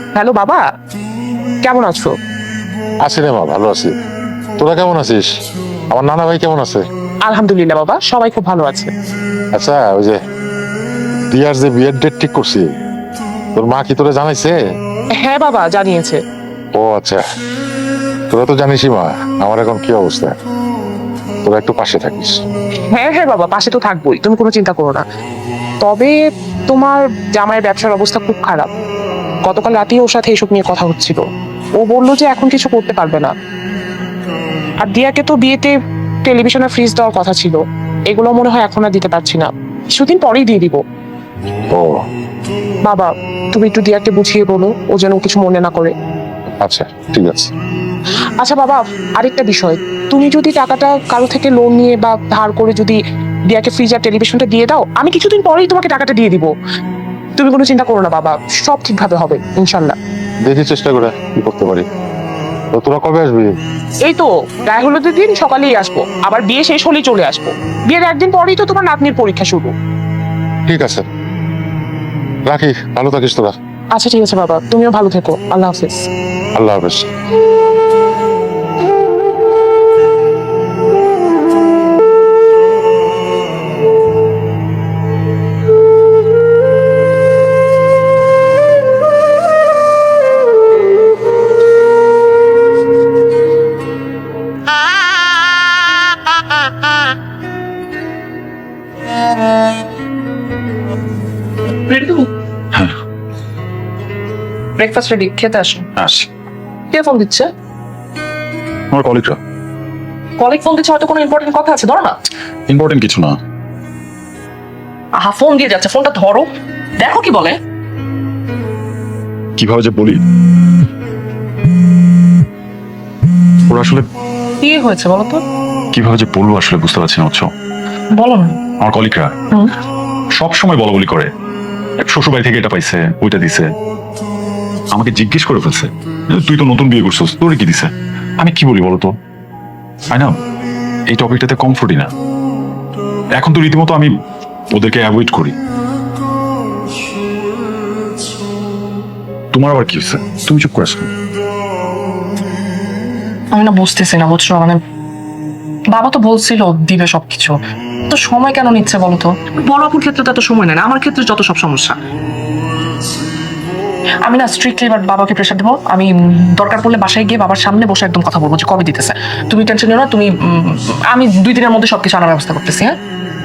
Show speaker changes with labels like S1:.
S1: Hello বাবা, কেমন আছো?
S2: আছি রে মা, ভালো আছি। তোরা কেমন আছিস? আমার নানা ভাই কেমন আছে?
S1: আলহামদুলিল্লাহ বাবা, সবাই খুব ভালো আছে।
S2: আচ্ছা, ওই যে দিয়ার যে বিয়ের ডেট ঠিক করছি, তোর মা কি তোরা জানাইছে?
S1: হ্যাঁ বাবা, জানিয়েছে।
S2: ও আচ্ছা, তোরা তো জানিসই মা আমার এখন কি অবস্থা। তোরা একটু পাশে থাকিস।
S1: হ্যাঁ হ্যাঁ বাবা, পাশে তো থাকবোই, তুমি কোনো চিন্তা করো না। তবে তোমার জামাইয়ের ব্যবসার অবস্থা খুব খারাপ। গতকাল রাতেই ওর সাথে এসব নিয়ে কথা হচ্ছিল। ও বললো যে এখন কিছু করতে পারবে না। আর দিয়াকে তো বিয়েতে টেলিভিশন আর ফ্রিজ দেওয়ার কথা ছিল, এগুলো মনে হয় এখন আর দিতে পারছি না, কিছুদিন পরেই দিয়ে দিব।
S2: ও
S1: বাবা, তুমি একটু দিয়াকে বুঝিয়ে বলো, ও যেন কিছু মনে না করে।
S2: আচ্ছা, ঠিক আছে।
S1: আচ্ছা বাবা, আরেকটা বিষয়, তুমি যদি টাকাটা কারো থেকে লোন নিয়ে বা ধার করে যদি দিয়াকে ফ্রিজ আর টেলিভিশনটা দিয়ে দাও, আমি কিছুদিন পরেই তোমাকে টাকাটা দিয়ে দিব। তুমি কোনো চিন্তা করো না বাবা, সব ঠিকভাবে হবে ইনশাল্লাহ।
S2: দেখি চেষ্টা করে কি করতে পারি। তো তোরা কবে আসবি?
S1: এই তো গায়ে হলুদের দিন সকালেই আসবো, আবার বিয়ে শেষ হলেই চলে আসবো। বিয়ের একদিন পরেই তো তোমার নাতনির পরীক্ষা শুরু।
S2: ঠিক আছে, রাখি, ভালো থাকিস তোরা।
S1: আচ্ছা ঠিক আছে বাবা, তুমিও ভালো থেকো, আল্লাহ হাফেজ।
S2: আল্লাহ হাফেজ।
S1: ব্রেকফাস্ট রেডি, খেতে আসো।
S3: আসি।
S1: কে ফোন দিচ্ছে?
S3: আমার কলিগরা।
S1: কলিগ ফোন দিচ্ছে, হয়তো কোনো ইম্পর্টেন্ট কথা আছে, ধরো না।
S3: ইম্পর্টেন্ট কিছু না।
S1: আহা, ফোন দিয়ে যাচ্ছে, ফোনটা ধরো, দেখো কি বলে।
S3: কিভাবে যে বলি, ওরা আসলে
S1: কি হয়েছে বলো তো?
S3: কিভাবে যে বলবো আসলে বুঝতে পারছি না, বুঝছো?
S1: বলো না।
S3: আমার কলিগরা সব সময় বলা বলি করে, শ্বশুর বাড়ি থেকে এটা পাইছে, ওইটা দিছে। আমাকে জিজ্ঞেস করে ফেলছে, তুই তো নতুন বিয়ে করছিস, তোরে কি দিছে? আমি কি বলি বলতো? না, এই টপিকটাতে কমফোর্টই না। এখন তো রীতিমতো আমি ওদেরকে অ্যাভয়েড করি। তোমার আবার কি হয়েছে? তুমি চুপ করে আসো।
S4: আমি না বুঝতেছি না, বুঝছো, মানে বাবা তো বলছিল দিবে সবকিছু, তো সময় কেন নিচ্ছে বলো তো?
S1: বড় আপুর ক্ষেত্রে তো এত সময় নেয় না, আমার ক্ষেত্রে যত সব সমস্যা।
S4: আমি না স্ট্রিক্টলি এবার বাবাকে প্রেশার দেবো। আমি দরকার পড়লে বাসায় গিয়ে বাবার সামনে বসে একদম কথা বলবো যে কবে দিতেছে। তুমি টেনশন নিও না, তুমি আমি 2 দিনের মধ্যে সবকিছু আনার ব্যবস্থা করতেছি। হ্যাঁ,